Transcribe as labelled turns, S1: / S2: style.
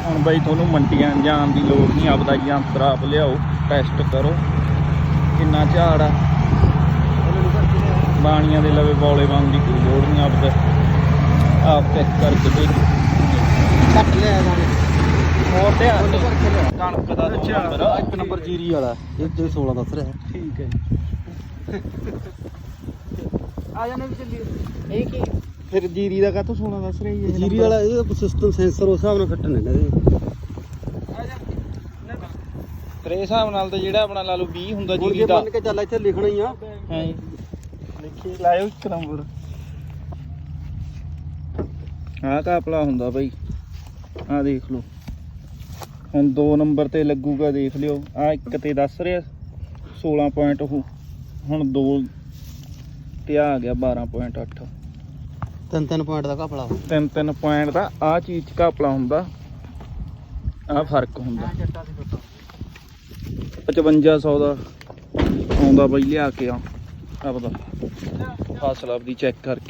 S1: ਹੁਣ ਬਾਈ ਤੁਹਾਨੂੰ ਮੰਡੀਆਂ ਜਾਣ ਦੀ ਲੋੜ ਨਹੀਂ, ਆਪਦਾ ਯੰਤਰ ਆਪ ਲਿਆਓ, ਟੈਸਟ ਕਰੋ ਕਿੰਨਾ ਝਾੜ ਆ। ਬਾਣੀਆਂ ਦੇ ਲਵੇ ਬੌਲੇ ਪਾਉਣ ਦੀ ਕੋਈ ਲੋੜ ਨਹੀਂ, ਆਪਦਾ ਆਪ ਚੈੱਕ ਕਰਕੇ ਦੇਖ
S2: ਕੱਟ ਲਿਆ ਦਾਣੇ
S1: ਹੋਰ ਧਿਆਨ ਕਣਕ ਦਾ ਨੰਬਰ
S2: 1 ਨੰਬਰ ਜੀਰੀ ਵਾਲਾ ਇਹ 16 ਦੱਸ ਰਿਹਾ।
S1: ਠੀਕ ਹੈ
S2: ਆ ਜਾਣੇ ਵੀ ਚੱਲੀਏ। ਇਹ ਕੀ
S1: ਫਿਰ ਜੀਰੀ ਦਾ ਕਾਹਤੋਂ 16 ਦੱਸ ਰਹੀ ਹੈ?
S2: ਜੀਰੀ ਵਾਲਾ ਇਹ ਸਿਸਟਮ ਸੈਂਸਰ ਉਸ ਹਿਸਾਬ ਨਾਲ ਕੱਟਣ ਨੇ ਇਹਦੇ।
S1: ਫਿਰ ਇਹ ਹਿਸਾਬ ਨਾਲ ਤਾਂ ਜਿਹੜਾ ਆਪਣਾ ਲਾ ਲਓ 20 ਹੁੰਦਾ
S2: ਹੁਣ
S1: ਜੀਰੀ
S2: ਜੇ
S1: ਦਾ।
S2: ਮੰਨ ਕੇ ਚੱਲ ਇੱਥੇ ਲਿਖਣਾ ਹੀ ਆ।
S1: ਹਾਂ ਲਿਖੀ ਲਾਇਓ 1 ਨੰਬਰ। ਆਹ ਕਾਪਲਾ ਹੁੰਦਾ ਬਾਈ, ਆਹ ਦੇਖ ਲਓ। ਹੁਣ 2 ਨੰਬਰ ਤੇ ਲੱਗੂਗਾ, ਦੇਖ ਲਿਓ। ਆਹ 1 ਤੇ ਦੱਸ ਰਿਹਾ 16 ਪੁਆਇੰਟ, ਉਹ ਹੁਣ 2 ਤੇ ਆ ਗਿਆ 12.8।
S2: 3 ਪੁਆਇੰਟ ਦਾ ਘਪਲਾ
S1: 3 ਪੁਆਇੰਟ ਦਾ ਆਹ ਚੀਜ਼ 'ਚ ਘਪਲਾ ਹੁੰਦਾ, ਆਹ ਫਰਕ ਹੁੰਦਾ। 5500 ਦਾ ਆਉਂਦਾ ਬਾਈ ਲਿਆ ਕੇ ਆ ਆਪਦਾ ਫਸਲ ਆਪਦੀ ਚੈੱਕ ਕਰਕੇ।